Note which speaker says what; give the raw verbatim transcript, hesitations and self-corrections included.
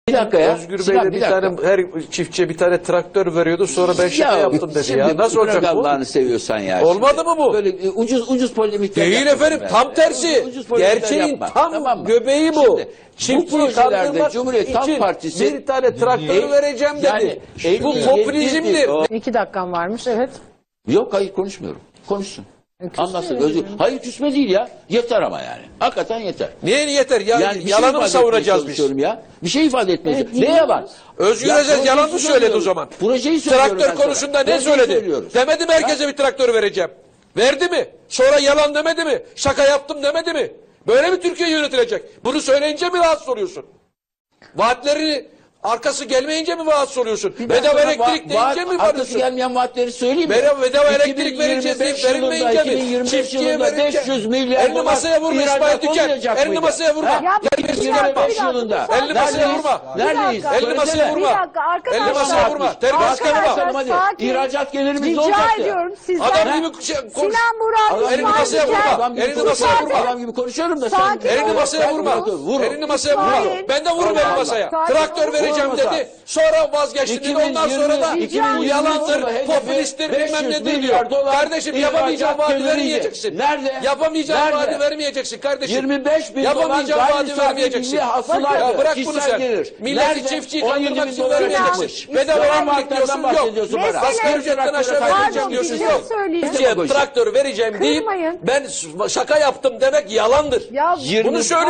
Speaker 1: Bir dakika ya.
Speaker 2: Özgür
Speaker 1: Sinan,
Speaker 2: Bey de bir,
Speaker 1: bir
Speaker 2: tane her çiftçiye bir tane traktör veriyordu. Sonra ben şaka yaptım dedi
Speaker 1: şimdi
Speaker 2: ya. Nasıl
Speaker 1: bırak
Speaker 2: olacak bu?
Speaker 1: Allah'ını seviyorsan ya.
Speaker 2: Olmadı
Speaker 1: Şimdi.
Speaker 2: mı bu?
Speaker 1: Böyle e, ucuz ucuz polemikler
Speaker 2: Değil
Speaker 1: yapma
Speaker 2: efendim.
Speaker 1: ben.
Speaker 2: Tam tersi.
Speaker 1: Ucuz polemikler
Speaker 2: Gerçeğin
Speaker 1: yapma.
Speaker 2: tam
Speaker 1: Tamam mı?
Speaker 2: göbeği bu.
Speaker 1: Şimdi, bu
Speaker 2: Çiftçiyi
Speaker 1: projelerde
Speaker 2: kandırmak
Speaker 1: Cumhuriyet Halk
Speaker 2: için
Speaker 1: Partisi
Speaker 2: bir tane traktörü
Speaker 1: e,
Speaker 2: vereceğim dedi.
Speaker 1: yani, e,
Speaker 2: bu
Speaker 1: e,
Speaker 2: popülizmdir.
Speaker 1: e, o-
Speaker 3: İki dakikam varmış, evet.
Speaker 1: Yok hayır konuşmuyorum. Konuşsun.
Speaker 3: küsme
Speaker 1: Anlatsın.
Speaker 3: yani.
Speaker 1: Özür. Hayır küsme değil ya. Yeter ama yani. Hakikaten yeter.
Speaker 2: Niye yeter? Ya,
Speaker 1: Yani bir şey
Speaker 2: yalanı mı
Speaker 1: ifade
Speaker 2: savunacağız
Speaker 1: etmeye
Speaker 2: biz?
Speaker 1: çalışıyorum ya. Bir şey ifade etmeye
Speaker 3: Evet,
Speaker 1: çalışıyorum. Ne yalan?
Speaker 2: Özgür
Speaker 1: Ya,
Speaker 2: Özel yalan mı
Speaker 1: projeyi
Speaker 2: söyledi o
Speaker 1: söylüyorum.
Speaker 2: zaman?
Speaker 1: Projeyi söylüyorum ben
Speaker 2: Traktör
Speaker 1: sana.
Speaker 2: konusunda ne
Speaker 1: Projeyi
Speaker 2: söyledi?
Speaker 1: söylüyoruz.
Speaker 2: Demedi mi herkese bir traktör vereceğim? Verdi mi? Sonra yalan demedi mi? Şaka yaptım demedi mi? Böyle mi Türkiye yönetilecek? Bunu söyleyince mi rahatsız oluyorsun? Vaatleri arkası gelmeyince mi rahatsız oluyorsun?
Speaker 1: Bir dakika,
Speaker 2: Bedava
Speaker 1: va-
Speaker 2: elektrik
Speaker 1: vaat-
Speaker 2: deyince mi
Speaker 1: arkası
Speaker 2: varıyorsun?
Speaker 1: gelmeyen vaatleri söyleyeyim mi?
Speaker 2: Bedava, bedava
Speaker 1: iki bin
Speaker 2: elektrik vereceğiz deyip
Speaker 1: yirmi beş yılında,
Speaker 2: verilmeyince
Speaker 1: iki bin
Speaker 2: mi?
Speaker 1: yirmi beş
Speaker 2: Çiftçiye
Speaker 1: yılında
Speaker 2: verince.
Speaker 1: beş yüz milyar
Speaker 2: Elini
Speaker 1: dolar
Speaker 2: masaya vurma İsmail
Speaker 1: ihracat
Speaker 2: Tüken.
Speaker 1: olmayacak
Speaker 2: Elini
Speaker 1: mıydı?
Speaker 2: masaya vurma.
Speaker 1: Ha?
Speaker 2: Gel
Speaker 3: bir
Speaker 2: birisi
Speaker 3: dakika,
Speaker 2: yapma.
Speaker 3: bir dakika,
Speaker 1: yılında.
Speaker 3: bir
Speaker 2: Elini masaya
Speaker 1: Neredeyiz?
Speaker 2: vurma.
Speaker 1: Neredeyiz?
Speaker 3: dakika.
Speaker 2: Elini masaya
Speaker 1: Söylesene.
Speaker 2: vurma.
Speaker 3: Bir dakika arkadaşlar.
Speaker 2: Elini masaya vurma. Terbiyesiz
Speaker 3: Arkadaşlar,
Speaker 2: konuşma.
Speaker 1: Hadi.
Speaker 3: sakin.
Speaker 1: İhracat gelirimiz
Speaker 3: Rica
Speaker 1: olacaktı.
Speaker 3: ediyorum sizden.
Speaker 2: Adam gibi şey- konuş.
Speaker 3: Sinan Murat,
Speaker 1: Adam
Speaker 2: Elini
Speaker 3: İsmail
Speaker 2: masaya
Speaker 3: Tüken.
Speaker 2: vurma.
Speaker 1: Adam gibi
Speaker 2: Elini masaya
Speaker 1: konuşuyorum.
Speaker 2: vurma.
Speaker 1: Adam gibi konuşuyorum da sen.
Speaker 3: Sakin
Speaker 2: Elini
Speaker 3: olun.
Speaker 2: masaya vurma.
Speaker 1: Vur.
Speaker 2: Elini masaya vurma.
Speaker 3: İsmail.
Speaker 2: Ben de vururum elini masaya.
Speaker 3: Sakin
Speaker 2: Traktör
Speaker 3: olun.
Speaker 2: vereceğim
Speaker 1: Vurmasa.
Speaker 2: dedi. Sonra vazgeçti dedi. Ondan sonra da
Speaker 3: iki bin yirmi
Speaker 2: bu yalandır,
Speaker 1: yılı hedefi
Speaker 2: popülisttir,
Speaker 1: beş
Speaker 2: bilmem
Speaker 1: yüz
Speaker 2: nedir diyor.
Speaker 1: milyar dolar
Speaker 2: Kardeşim yapamayacağın
Speaker 1: ihracat
Speaker 2: vaadi
Speaker 1: geliriydi.
Speaker 2: vermeyeceksin.
Speaker 1: Nerede?
Speaker 2: Yapamayacağın
Speaker 1: Nerede?
Speaker 2: vaadi vermeyeceksin kardeşim.
Speaker 1: yirmi beş bin dolar
Speaker 2: Yapamayacağın
Speaker 1: gayri
Speaker 2: vaadi
Speaker 1: safi
Speaker 2: vermeyeceksin.
Speaker 1: milli hasılaydı.
Speaker 2: Ya bırak bunu
Speaker 1: Kişisel
Speaker 2: sen.
Speaker 1: gelir.
Speaker 2: Milleti
Speaker 1: Nerede?
Speaker 2: çiftçiyi
Speaker 1: on yedi
Speaker 2: kandırmak
Speaker 1: bin
Speaker 2: için
Speaker 1: dolar
Speaker 2: vermeyeceksin.
Speaker 1: ödemiş.
Speaker 2: Bedava
Speaker 1: Yalan
Speaker 2: elektrik diyorsun
Speaker 1: vaatlerden
Speaker 2: yok.
Speaker 1: bahsediyorsun bana.
Speaker 3: Mesela-
Speaker 2: Asgari ücretten aşağı
Speaker 1: Pardon,
Speaker 2: vereceğim
Speaker 3: bir
Speaker 2: diyorsun
Speaker 3: şey
Speaker 2: yok.
Speaker 3: söyleyeyim.
Speaker 2: Çiftçiye traktör vereceğim deyip
Speaker 3: Kırmayın.
Speaker 2: ben şaka yaptım demek yalandır.
Speaker 3: Ya
Speaker 2: Bunu söyle.